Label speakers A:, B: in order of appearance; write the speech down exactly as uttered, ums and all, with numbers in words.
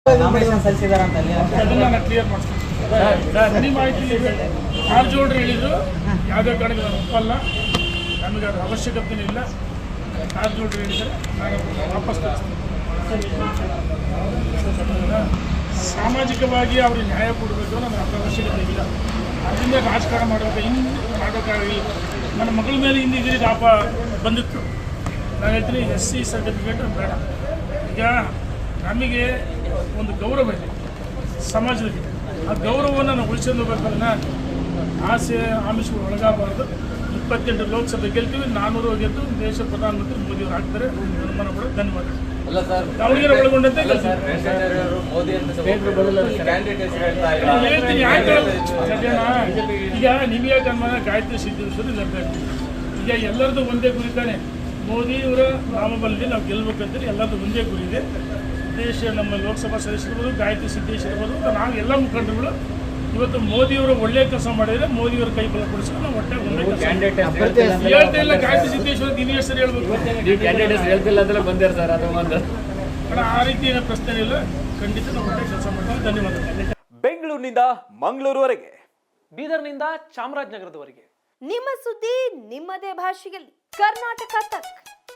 A: Nomination ಸಲ್ಲಿಸಿದಾರ ಅಂತ
B: ಅದನ್ನ ನಾನು ಕ್ಲಿಯರ್ ಮಾಡ್ತೀನಿ. ನಿಮ್ಮ ಮಾಹಿತಿ ಕಾರಜೋಳರು ಹೇಳಿದ್ರು ಯಾವುದೇ ಕಾರಣಕ್ಕೆ ನಾನು ಒಪ್ಪಲ್ಲ, ನಮಗೆ ಅದರ ಅವಶ್ಯಕತೆ ಇಲ್ಲ. ಕಾರಜೋಳರು ಹೇಳಿದರೆ ನಾನು ವಾಪಸ್ ಕಳಿಸ್ತೀನಿ. ಸಾಮಾಜಿಕವಾಗಿ ಅವ್ರಿಗೆ ನ್ಯಾಯ ಕೊಡಬೇಕು, ನಮಗೆ ಅದರ ಅವಶ್ಯಕತೆ ಇಲ್ಲ. ಅದರಿಂದ ರಾಜಕಾರಣ ಮಾಡಬೇಕು, ಇನ್ನು ಮಾಡೋಕ್ಕಾಗಿಲ್ಲ. ನನ್ನ ಮಗಳ ಮೇಲೆ ಹಿಂದೆ ಇದರಿಗೆ ಆಪ ಬಂದಿತ್ತು. ನಾನು ಹೇಳ್ತೀನಿ ಎಸ್ ಸಿ ಸರ್ಟಿಫಿಕೇಟ್ ಬೇಡ. ಈಗ ನಮಗೆ ಒಂದು ಗೌರವ ಇದೆ ಸಮಾಜದಲ್ಲಿ, ಆ ಗೌರವವನ್ನು ನಾವು ಉಳಿಸ್ಕೊಂಡು ಹೋಗ್ಬೇಕನ್ನ ಆಸೆ ಆಮಿಷಗಳು ಒಳಗಾಗಬಾರ್ದು. ಇಪ್ಪತ್ತೆಂಟು ಲೋಕಸಭೆ ಗೆಲ್ತೀವಿ, ನಾನ್ನೂರು ಗೆದ್ದು ದೇಶ ಪ್ರಧಾನಮಂತ್ರಿ ಮೋದಿಯವರು ಆಗ್ತಾರೆ. ಅನುಮಾನ ಕೂಡ ಧನ್ಯವಾದ. ದಾವಣಗೆರೆ ಒಳಗೊಂಡಂತೆ ಹೇಳ್ತೀನಿ. ಯಾಕೆ ಈಗ ನಿಮಗೆ ಅನುಮಾನ ಗಾಯತ್ರಿ ಸಿದ್ದೇಶ್ವರಿ ಗೆಲ್ಬೇಕು. ಈಗ ಎಲ್ಲರದ್ದು ಒಂದೇ ಗುರಿ ತಾನೆ, ಮೋದಿಯವರ ನಾಮಬಲದಲ್ಲಿ ನಾವು ಗೆಲ್ಲಬೇಕಂತೇಳಿ ಎಲ್ಲರದ್ದು ಒಂದೇ ಗುರಿ ಇದೆ. ದೇಶ ನಮ್ಮ ಲೋಕಸಭಾ ಸದಸ್ಯರಿರ್ಬೋದು, ಗಾಯತ್ರಿ ಸಿದ್ದೇಶ್ವರ ಇರ್ಬೋದು, ನಾವು ಎಲ್ಲ ಮುಖಂಡರುಗಳು ಇವತ್ತು ಮೋದಿಯವರು ಒಳ್ಳೆ ಕೆಲಸ ಮಾಡಿದರೆ ಮೋದಿಯವರ ಕೈ ಬಲ ಕೊಡಿಸಿದ್ರೆ ನಾವು ಒಟ್ಟೆ ಒಂದೇ ಕೆಲಸ ಹೇಳ್ತಾ ಇಲ್ಲ. ಗಾಯತ್ರಿ ಸಿದ್ದೇಶ್ವರ ದಿನ ಹೆಸರು ಹೇಳ್ಬೇಕು, ಆ ರೀತಿ ಏನೋ ಪ್ರಶ್ನೆ ಇಲ್ಲ. ಖಂಡಿತ ನಾವು ಒಳ್ಳೆ ಕೆಲಸ ಮಾಡ್ತೀವಿ. ಧನ್ಯವಾದಗಳು.
C: ಬೆಂಗಳೂರಿನಿಂದ ಮಂಗಳೂರುವರೆಗೆ,
D: ಬೀದರ್ನಿಂದ ಚಾಮರಾಜನಗರದವರೆಗೆ
E: ನಿಮ್ಮ ಸುದ್ದಿ ನಿಮ್ಮದೇ ಭಾಷೆಯಲ್ಲಿ. ಕರ್ನಾಟಕ ತಕ್.